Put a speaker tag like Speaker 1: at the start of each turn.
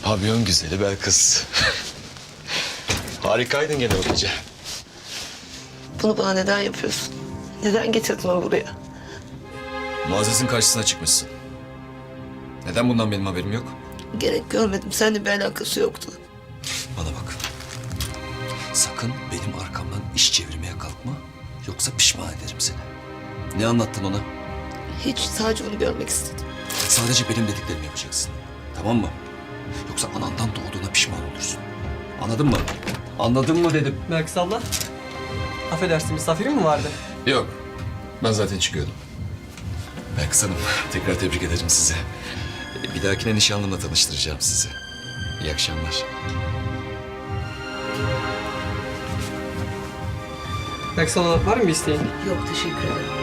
Speaker 1: Pavyon güzeli Belkıs. Harikaydın gene o gece.
Speaker 2: Bunu bana neden yapıyorsun? Neden getirdin onu buraya?
Speaker 1: Muazzez'in karşısına çıkmışsın. Neden bundan benim haberim yok?
Speaker 2: Gerek görmedim. Seninle bir alakası yoktu.
Speaker 1: Bana bak. Sakın benim arkamdan iş çevirmeye kalkma. Yoksa pişman ederim seni. Ne anlattın ona?
Speaker 2: Hiç, sadece onu görmek istedim.
Speaker 1: Sadece benim dediklerimi yapacaksın. Tamam mı? Yoksa anandan doğduğuna pişman olursun. Anladın mı? Anladın mı dedim.
Speaker 3: Belkıs abla. Affedersin, misafirin mi vardı?
Speaker 1: Yok. Ben zaten çıkıyordum. Belkıs Hanım, tekrar tebrik ederim sizi. Bir dahakine nişanlımla tanıştıracağım sizi. İyi akşamlar.
Speaker 3: Belkıs abla var mı bir isteğin?
Speaker 2: Yok, teşekkür ederim.